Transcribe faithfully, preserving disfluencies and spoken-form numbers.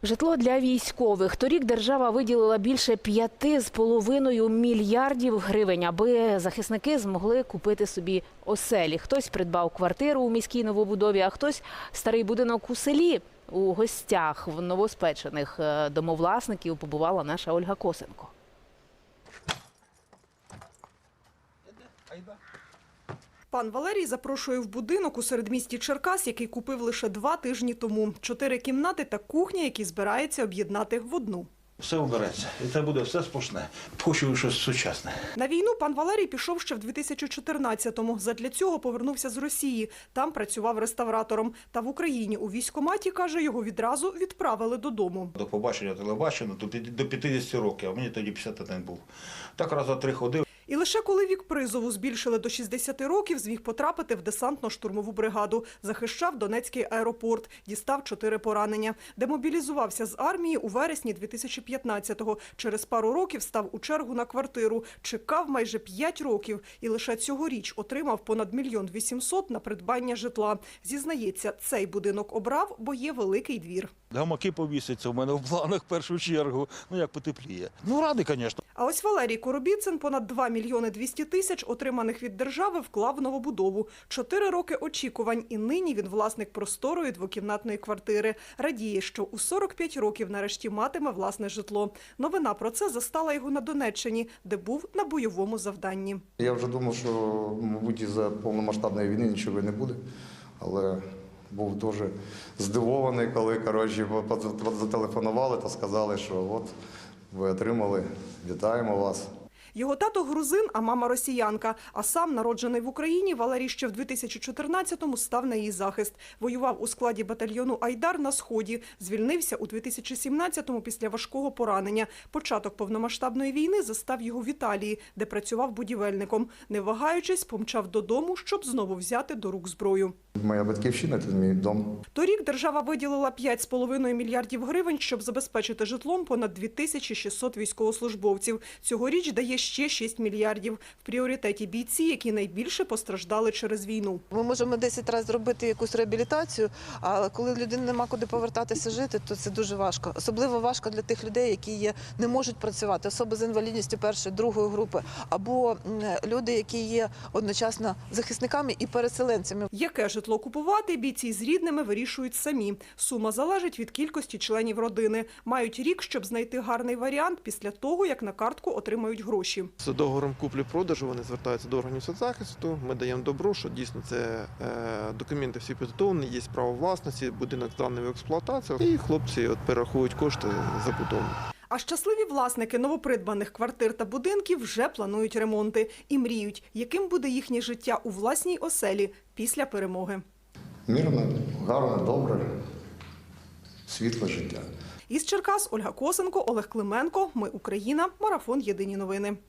Житло для військових. Торік держава виділила більше п'яти з половиною мільярдів гривень, аби захисники змогли купити собі оселі. Хтось придбав квартиру у міській новобудові, а хтось старий будинок у селі. У гостях в новоспечених домовласників побувала наша Ольга Косенко. Пан Валерій запрошує в будинок у середмісті Черкас, який купив лише два тижні тому. Чотири кімнати та кухня, які збирається об'єднати в одну. Все обереться. І це буде все сплошне. Хочу щось сучасне. На війну пан Валерій пішов ще в дві тисячі чотирнадцятому. Задля цього повернувся з Росії. Там працював реставратором. Та в Україні у військкоматі, каже, його відразу відправили додому. До побачення телебачення до п'ятдесят років, а мені тоді п'ятдесят один був. Так раз за три ходив. І лише коли вік призову збільшили до шістдесяти років, зміг потрапити в десантно-штурмову бригаду. Захищав Донецький аеропорт, дістав чотири поранення. Демобілізувався з армії у вересні дві тисячі п'ятнадцятого. Через пару років став у чергу на квартиру. Чекав майже п'ять років і лише цьогоріч отримав понад мільйон вісімсот на придбання житла. Зізнається, цей будинок обрав, бо є великий двір. Гамаки повісяться в мене в планах в першу чергу. Ну як потепліє. Ну радий, звісно. А ось Валерій Коробіцин понад два мільйони двісті тисяч, отриманих від держави, вклав в новобудову. Чотири роки очікувань, і нині він власник просторої двокімнатної квартири. Радіє, що у сорок п'ять років нарешті матиме власне житло. Новина про це застала його на Донеччині, де був на бойовому завданні. Я вже думав, що, мабуть, із-за повномасштабної війни нічого не буде, але був дуже здивований, коли, коротше, зателефонували та сказали, що от ви отримали, вітаємо вас. Його тато грузин, а мама росіянка. А сам, народжений в Україні, Валерій ще в дві тисячі чотирнадцятому став на її захист. Воював у складі батальйону «Айдар» на Сході. Звільнився у дві тисячі сімнадцятому після важкого поранення. Початок повномасштабної війни застав його в Італії, де працював будівельником. Не вагаючись, помчав додому, щоб знову взяти до рук зброю. Моя батьківщина – це мій дом. Торік держава виділила п'ять з половиною мільярдів гривень, щоб забезпечити житлом понад дві тисячі шістсот військовослужбовців. Цьогоріч дає ще шість мільярдів. В пріоритеті бійці, які найбільше постраждали через війну. Ми можемо десять разів зробити якусь реабілітацію, а коли людині нема куди повертатися жити, то це дуже важко. Особливо важко для тих людей, які є, не можуть працювати, особи з інвалідністю першої, другої групи, або люди, які є одночасно захисниками і переселенцями. Яке житло купувати, бійці з рідними вирішують самі. Сума залежить від кількості членів родини. Мають рік, щоб знайти гарний варіант після того, як на картку отримають гроші. З договором куплі-продажу вони звертаються до органів соцзахисту, ми даємо добро, що дійсно це е, документи всі підготовлені, є право власності, будинок зданий в експлуатацію, і хлопці от перерахують кошти за будову. А щасливі власники новопридбаних квартир та будинків вже планують ремонти і мріють, яким буде їхнє життя у власній оселі після перемоги. Мирно, гарно, добре, світле життя. Із Черкас Ольга Косенко, Олег Клименко. Ми Україна. Марафон. Єдині новини.